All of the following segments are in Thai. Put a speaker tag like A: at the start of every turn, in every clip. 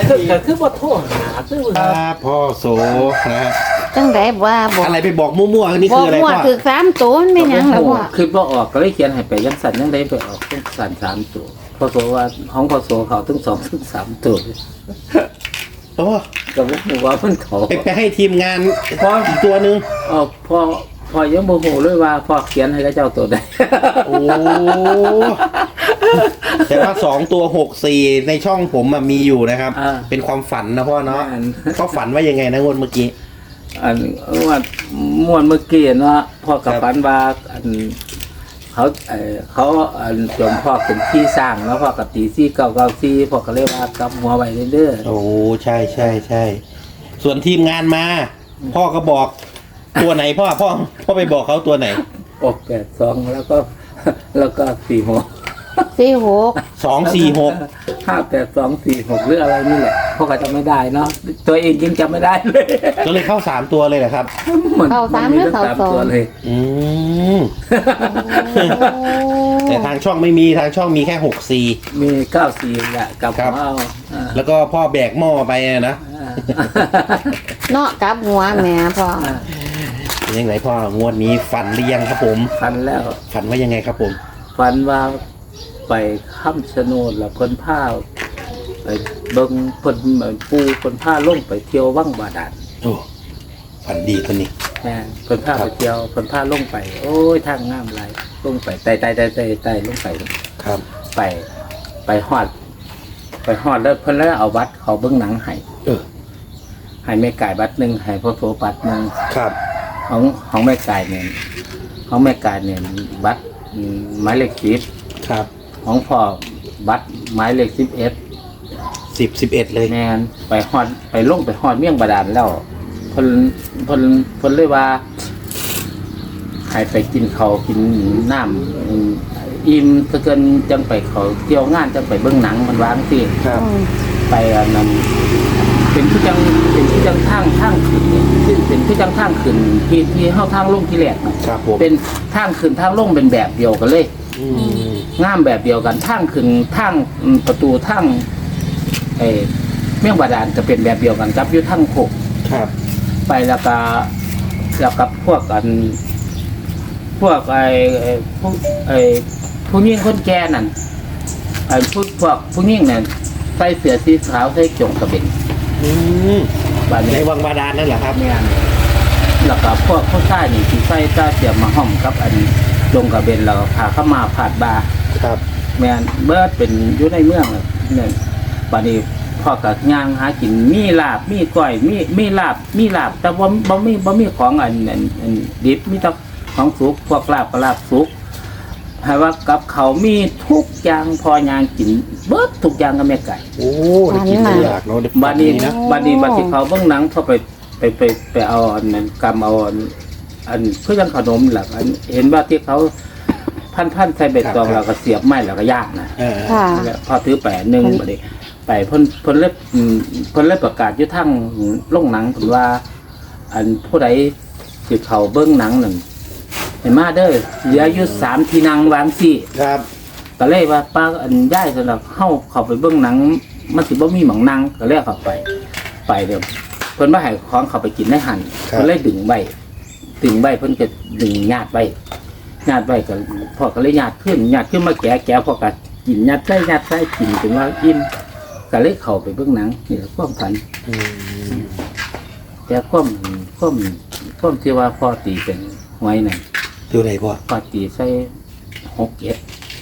A: ก็คือบ่โทรหาคือ
B: พ่อโสนะฮะ
C: จังไดว่าบอก
B: อะไรไปบอกมั่วๆนี่
C: บอ
B: คื
C: ก
B: ออะไร
C: ว่า
B: พ่อ
C: คือ3ตัวมันไม่หยังแล้วพ่อ
A: คือบ่ออกก็เลยเขียนให้ไปยังสั่นยังได้ไปออกต้องสั่น3ตัวพอโสว่าของพอโสเขาถึง2ถึง3ตัว
B: โอ้
A: ก็บ่ฮู้ว่ามันเขา
B: ไปให้ทีมงานพ่ออีกตัวหนึ่ง
A: พอยังโมโหเลยว่าพอเขียนให้กับเจ้าตัวใด
B: โอ้แต่ว่า2 ตัว 6 4ในช่องผมมีอยู่นะครับ เป็นความฝันนะพ่อเนาะเขาฝันว่ายังไงนะงวดเมื่อกี้
A: อันว่าม่วนเมื่อกี้เนาะพ่อกับฝันว่าอันเขาอันจมพ่อเป็นที่สร้างแล้วพ่อกับตี4994พ่อก็เลยว่ากำหัวไว้เด้อ
B: โอ้ใช่ใช่ใช่ส่วนทีมงานมา พ่อก็บอกตัวไหนพ่อไปบอกเขาตัวไหน
A: ออก82แล้วก็46
C: 46
B: 246
A: 58246หรืออะไรนี่แหละพ่อก็จำไม่ได้เนาะตัวเองยังจำไม่ได้เลย
B: ก็เลยเข้า3 ตัวเลยเหรอครับ
C: เข้า3หรือเข้า
A: 3ตัวเลย
B: อืมแต่ทางช่องไม่มีทางช่องมีแค่6
A: มี94แหละกับหัวเอา
B: 4แล้วก็พ่อแบกหม้อไปนะ
C: เนาะกลับหัวแม่พ่อ
B: เป็นยังไงพ่องวดนี้ฝันหรือยังครับผม
A: ฟันแล้ว
B: ฝันว่ายังไงครับผม
A: ฟันว่าไปค้ำชะโนดแล้วเพิ่นผ้าไปเบิ่งเพิ่นปูเพิ่นผ้าลงไปเที่ยววังบาดาล
B: โอ้ฝันดีคนนี้
A: แม่เพิ่นผ้าไปเที่ยวเพิ่นผ้าลงไป โอ้ยทางงามหลายลงไปไต่ลงไป
B: ครับ
A: ไปฮอดแล้วเพิ่นแล้วเอาบัตรเขาเบิ่งหนังให้ ให้แม่ไก่บัตรหนึงให้พ่อโสบัตรหนึง
B: ครับ
A: ของแม่ไก่เนี่ยบัตรหมายเลข10
B: ครับ
A: ของพ่อบัตรหมายเลข
B: 11เลย
A: แม่นไปลงไปฮอดเมี่ยงบาดาลแล้วเพิ่นเลยว่าให้ไปกินข้าวกินน้ำอิ่มซะเกินจังไปเขาเที่ยวงานจังไปเบิ่งหนังมันวางสิ
B: ครับ
A: ไปอันนั้นเป็นที่จังทางขึ้นนี่เป็นที่จังทางขึ้นที่เฮาทางลงที่แรกน่ะ
B: ครับผม
A: เป็นทางขึ้นทางลงเป็นแบบเดียวกันเลย
B: อืม
A: งามแบบเดียวกันทางขึ้นทางประตูทางเมี่ยงบาดาลจะเป็นแบบเดียวกันกับอยู่ทางโคก
B: ครับ
A: ไปแล้วก็พวกกันพวกผู้หญิงคนแก่นั่นพวกผู้หญิงนั่นใส่เสื้อสีขาวใส่จงกระเบน
B: อืม
A: บาด
B: ใน
A: นี้
B: วังบาดาลนั่นเหรอครับ
A: แม่นแล้วก็พวกผู้ชายนี่ที่ใส่ตาเสียมมาห้อมกับอันจงกระเบนแล้วก็พาเข้ามาผาดบา
B: ครับ
A: แม่นเบิดเป็นอยู่ในเมืองนี่บาดนี้พ่อกับย่างหากินมีลาบมีก้อยมีลาบแต่ว่าบ่มีของอันดิบมีแต่ของสุกพวกลาบก็ลาบสุกให้ว่ากับเขามีทุกอย่างพอย่างกินเบิดทุกอย่างกับแม่ไก่
B: โอ้ได้กินได้อยากเนาะได้
A: บาดนี้
B: นะ
A: บาดที่เขาเบิ่งหนังเขาไปเอาอันนั้นกำเอาอันเพื่อจังขนมหลักอันเห็นว่าที่เขาพันใส่เบ็ดตองแล้วก็เสียบไม้แล้วก็ย่างนะ
C: ค่ะ
A: แล้วพอถือแปะหนึ่งบาดนี้ไปเพิ่นเล็บประกาศอยู่ทั้งโรงหนังเพิ่นว่า อันผู้ใดสิเขาเบิ่งหนังนั่นให้มาเด้อเหลืออยู่3ที่นั่งวางสิ
B: ครับ
A: ก็เลยว่าป้าอันย้ายสำหรับเข้าไปเบิ่งหนังมันสิบ่มีหม่องนั่งก็เลยเข้าไปเด้อเพิ่นว่าให้ของเข้าไปกินในหันเพิ่นเลยดึงใบเพิ่นก็ดึงญาติไว้ก็พ่อก็เลยญาติขึ้นมาแกะพ่อก็กินญาติใส่กินจนว่าอิ่มก็เลยเข้าไปเบิ่งหนังนี่แหละความฝัน
B: อืม
A: แต่ความที่ว่าพ่อตีเป็นไว้นั่น
B: ตัวไหนพ่อ
A: พ่อตีใส่6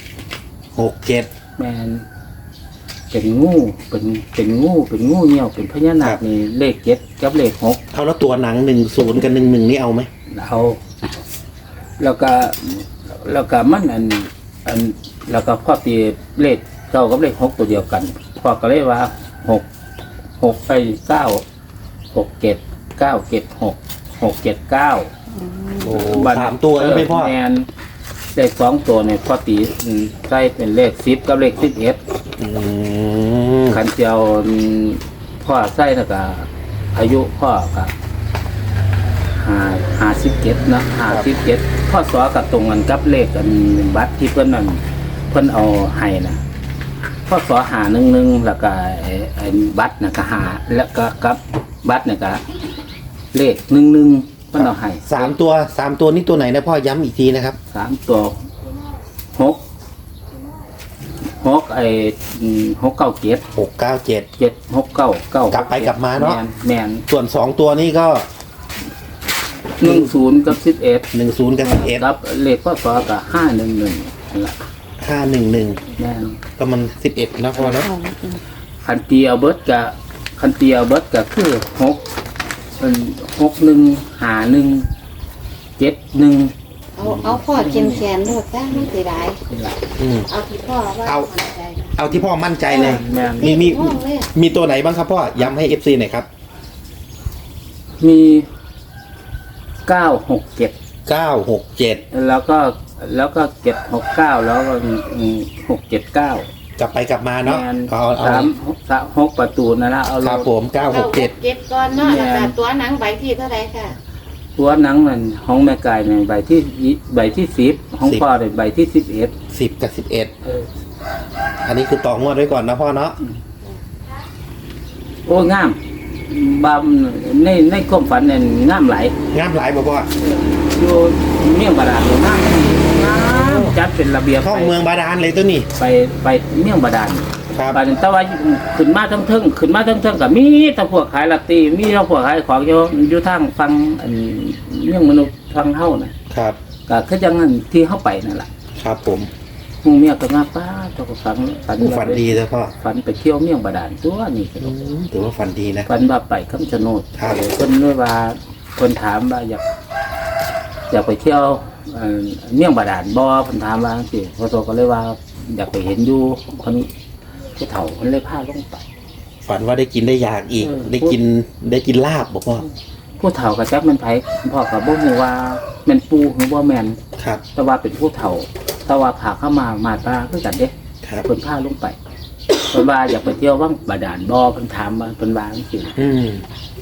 B: 67
A: แมนเป็นงูเป็นงูเหี่ยวเป็นพญานาคนี่เลข7กับเลข6
B: เอาแล้วตัวหนัง10กับ11นี่เอาไหม
A: เอาแล้วก็มันอันแล้วก็พ่อตีเลข9กับเลข6ตัวเดียวกันพ่อก็เลยว่า6ไป9 6 7 9 7 6 6 7 9
B: โอ้3 ตัวแล้วไหมพ่อ
A: แมนเลข2ตัวเนี่ยพ่อตีใส่เป็นเลข10กับเลข11
B: อืม
A: ขันเจียวพ่อใส่แล้วก็อายุพ่อก็57นะ57พ่อสอกับตรงกันกับเลขกันบัตรที่เพิ่นนั่นเพิ่นเอาให้นะพ่อสอ51แล้วก็ไอ้บัตรนะก็หาแล้วก็กับบัตรเนี่ยก็เลข11มันเอาให้
B: 3 ตัวนี่ตัวไหนนะพ่อย้ำอีกทีนะครับ
A: 3 ตัว66 9 7
B: 697
A: 7 6 9 9
B: กลับไปกลับมาเนาะ
A: แมน
B: ส่วน2ตัวนี้ก็
A: 10กับ11
B: 10กับ
A: ครับเลขก็ต่อกับ511นั่นแหละ
B: 11
A: แมน
B: 511ก็มัน11นะพ่อเนาะ
A: คันตีเอาเบิร์ดกับคือ61
C: เอาพ่อเขียนโลดจ้าไม่เสียดาย
A: นี่แหละ
B: อืม
C: เอาที่พ่อว่า
B: เอา
C: มั่นใจ
B: เอาที่พ่อมั่นใจเลย
A: แมน
B: มีตัวไหนบ้างครับพ่อย้ำให้ FC หน่อยครับ
A: มี967
B: 967
A: แล้วก็769แล้วก็679
B: กลับไปกลับมาเนาะ
A: แมน
B: เอา
A: 6ประตูนั่นละเอา
B: ครับผม
C: เก้าหก
B: 967
C: เจ็ดก่อนเนาะแล้วก็ตัวหนังใบที่เท่าไหร่ค่ะ
A: ตัวหนังนั่นของแม่กายในใบที่10ของพ่อในใบที่11
B: 10 กับ 11 อันนี้คือต่องวดไว้ก่อนนะพ่อเนาะ
A: โอ้งามบามในความฝันเนี่ยงามหลาย
B: งามหลายบ่พ่อ
A: อยู่เมี่ยงบาดาลงามจัดเป็นระเบียบ
B: ท่องเมืองบาดาลเลยตัวนี้
A: ไปเมี่ยงบาดาล
B: ครับ
A: บาดาลแต่ว่าขึ้นมาทั้งเทิงกับมีแต่พวกขายลอตเตอรี่มีแต่พวกขายของอยู่ทางฟังอันเมี่ยงมนุษย์ฟังเฮาน่ะ
B: ครับ
A: ก็คือจังนั้นที่เฮาไปนั่นล่ะ
B: ครับผม
A: หมู่เมียก็มาป้าเจ้าก็ฝัน
B: ฝันดีเลยพ่อ
A: ฝันไปเที่ยวเมี่ยงบาดาลตัวนี้ก็
B: ถือว่าฝันดีนะ
A: ฝันว่าไปคำชะโนด
B: ครับ
A: เพิ่นเลยว่าเพิ่นถามว่าอยากไปเที่ยวเมี่ยงบาดาลบ่เพิ่นถามว่าจังซี่พอโตก็เลยว่าอยากไปเห็นอยู่คนผู้เฒ่าเพิ่นเลยพาลงไป
B: ฝันว่าได้กินได้อยากอีก
A: เออ
B: ได้กินลาบบอกพ่อ
A: ผู้เฒ่าก็จักมันไผพ่อก็บ่ฮู้ว่าแม่นปู่หรือบ่แม่น
B: ครับ
A: แต่ว่าเป็นผู้เฒ่าแต่ว่าพาเข้ามาตราคือกันเด้
B: ครับ
A: เพิ่นพาลงไปเพิ่นว่าอยากไปเที่ยววังบาดาลบ่เพิ่นถามว่าเพิ่นว่าจังซี่
B: อืม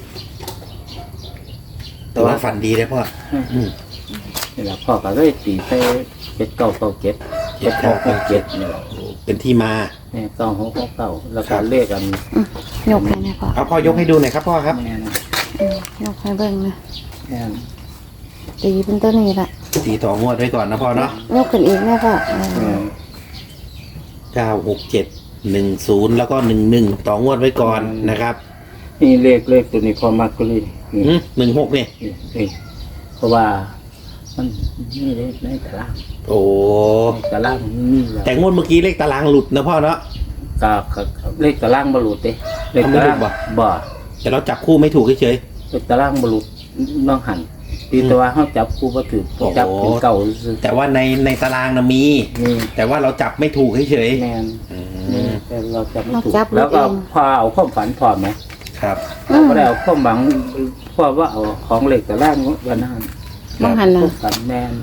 B: แต่ว่าฝันดีเลยพ่อ อืม
A: นี่ล่ะพ่อก็เลยตีไป7997 7667นี่แหละ
B: เป็นที่มา
A: เนี่ย9669แล้ว
B: ครั
A: ก็
B: บ
A: เลขอัน
C: ยกให้นะพ่อ
B: เอาพ่อยกให้ดูหน่อยครับพ่อครับ
A: แม่น
C: ยกให้เบิ่งนะ
A: แม่น
C: ตีเป็นตัวนี้ละ
B: ตีต่องวดไว้ก่อนนะพ่อเนาะ
C: ยกขึ้นอีกแม่พ่อ
A: แม่น
B: 96710แล้วก็11ต่องวดไว้ก่อนนะครับ
A: นี่เลขตัวนี้พอมากก็เลยนี่
B: 16นี่
A: นี่เพราะว่ามันนี่เลขในตาราง
B: โอ้
A: ในตารางมันมีแล้ว
B: แต่งวดเมื่อกี้เลขตารางหลุดนะพ่อเนาะ
A: ก็เลขตารางบ่หลุดเด้เลขตาราง
B: เอาไม่หลุดบ่
A: บ่
B: แต่เราจับคู่ไม่ถูกเฉย
A: เลขตารางบ่หลุดน้องหันตีแต่ว่าเฮาจับคู่บ่ถูก
B: โอ้โห
A: จับเป็นเก่าซื่อ
B: ๆแต่ว่าในตารางนะมี
A: นี่
B: แต่ว่าเราจับไม่ถูกเฉย
A: แม่น
B: ๆอื
A: นี่
B: ม
A: แต่เราจับไม่
C: เรา
A: ถูก
C: จับลู
A: แล้
C: ก
A: ว
C: เอ
A: ก็
C: ง
A: พอเอาความฝันพร้อมไหม
B: ครับ
A: เราก็ได้เอาความหวังเพราะว่าเอาของเหล็กแต่แรกวันนั้น
C: มองหัน
A: พ
C: นะ
A: วกกันแมน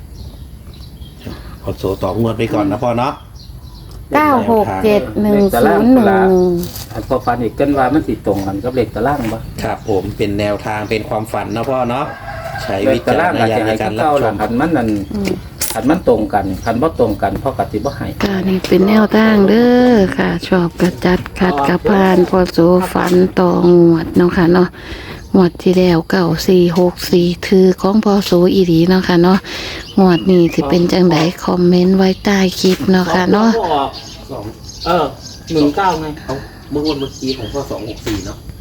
B: เอาโซต่องวดไปก่อนนะพ่อเนาะ
C: 9671011
A: อันพอฝันอีกกันว่ามันสิตรงกันกับเหล็กตะล่างปะ
B: ครับผมเป็นแนวทางเป็นความฝันนะพ่อเนาะใช้
A: เหล็
B: วิ
A: กตะ
B: จาร
A: ล่าง
B: ณ
A: อาจ
B: ญาณ
A: จะ
B: ใน
A: ให้
B: การรับ
A: เก้า
B: ช
A: หลั
B: ม
A: งขันมันนั่นขันมันตรงกันขันบ่ตรงกันพ่อกติบ่ให้
C: ค่ะนี่เป็นแนวทางเด้อค่ะ ชอบกระจัดขัดกระพานพอโสฟันต่องวดเนาะค่ะเนาะงวดที่แล้ว9464ถือของพอโสอีหลีเนาะค่ะเนาะงวดนี้สิเป็นจังไดคอมเมนต์ไว้ใต้คลิปเนาะค่ะเนาะ
B: สอง
A: 19ไง
B: เอาเมื่อวันเมื่อกี้ของพ่อ264เนาะ